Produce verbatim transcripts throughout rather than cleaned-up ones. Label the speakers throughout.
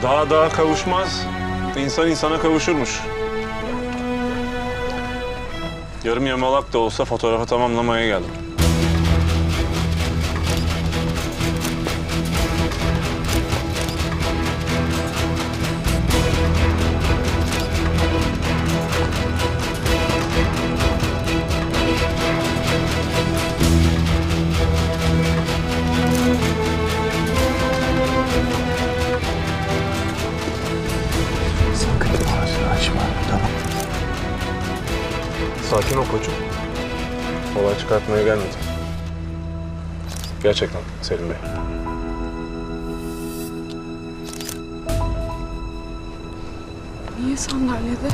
Speaker 1: Daha daha kavuşmaz. İnsan insana kavuşurmuş. Yarım yamalak da olsa fotoğrafı tamamlamaya geldim.
Speaker 2: Sakın ağzını açma, tamam.
Speaker 1: Sakin ol koçum. Olay çıkartmaya gelmedim. Gerçekten Selim Bey.
Speaker 3: Niye sandalyede?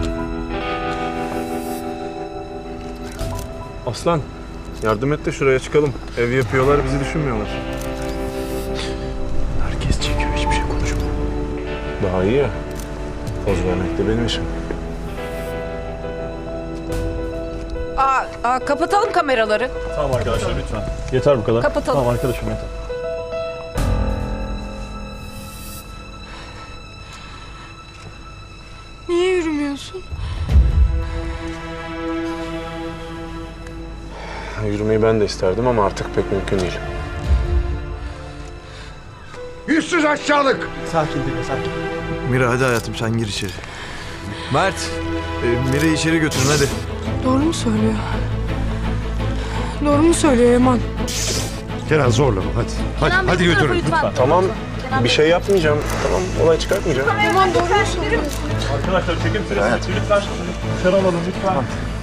Speaker 1: Aslan, yardım et de şuraya çıkalım. Ev yapıyorlar, bizi düşünmüyorlar.
Speaker 2: Herkes çekiyor, hiçbir şey konuşmuyor.
Speaker 1: Daha iyi ya. Poz vermek de benim işim.
Speaker 4: Aa, aa, kapatalım kameraları.
Speaker 5: Tamam arkadaşlar lütfen. Yeter bu kadar.
Speaker 4: Kapatalım.
Speaker 5: Tamam arkadaşım yeter.
Speaker 3: Niye yürümüyorsun?
Speaker 1: Yürümeyi ben de isterdim ama artık pek mümkün değil.
Speaker 6: Yüzsüz aşağılık!
Speaker 2: Sakin dinle, sakin. Mira hadi hayatım sen gir içeri. Mert, e, Mira'yı içeri götürün hadi.
Speaker 3: Doğru mu söylüyor? Doğru mu söylüyor Yaman?
Speaker 6: Kenan zorlama hadi. Hadi, hadi götürün.
Speaker 1: Tamam, bir şey yapmayacağım. Tamam, olay çıkartmayacağım.
Speaker 3: Yaman doğru mu söylüyor?
Speaker 5: Arkadaşlar çekim süresi bitti. Lütfen dışarı alalım lütfen.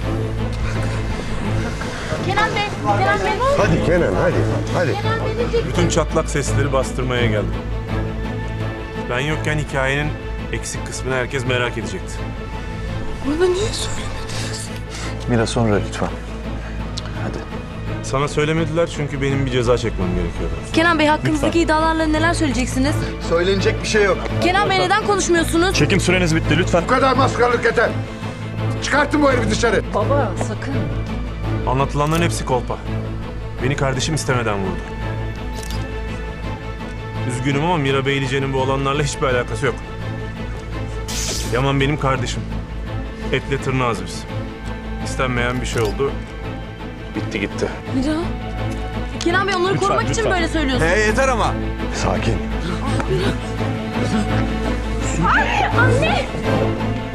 Speaker 7: Kenan Bey, Kenan Bey.
Speaker 6: Hadi Kenan hadi. Hadi.
Speaker 1: Bütün çatlak sesleri bastırmaya geldim. Ben yokken hikayenin eksik kısmını herkes merak edecekti.
Speaker 3: Bana niye söylemediniz?
Speaker 2: Mira sonra lütfen. Hadi.
Speaker 1: Sana söylemediler çünkü benim bir ceza çekmem gerekiyordu.
Speaker 7: Kenan Bey hakkınızdaki iddialarla neler söyleyeceksiniz?
Speaker 2: Söylenecek bir şey yok.
Speaker 7: Kenan Bey neden konuşmuyorsunuz?
Speaker 5: Çekim süreniz bitti lütfen.
Speaker 6: Bu kadar maskarlık yeter. Çıkartın bu herifi dışarı.
Speaker 4: Baba sakın.
Speaker 1: Anlatılanların hepsi kolpa. Beni kardeşim istemeden vurdu. Üzgünüm ama Mira Beylice'nin bu olanlarla hiçbir alakası yok. Yaman benim kardeşim. Etle tırnağız biz. İstenmeyen bir şey oldu. Bitti gitti.
Speaker 7: Mira. Kenan Bey onları
Speaker 5: Lütfen,
Speaker 7: korumak için
Speaker 5: lütfen.
Speaker 7: böyle söylüyorsun.
Speaker 2: He yeter ama.
Speaker 6: Sakin.
Speaker 7: Anne!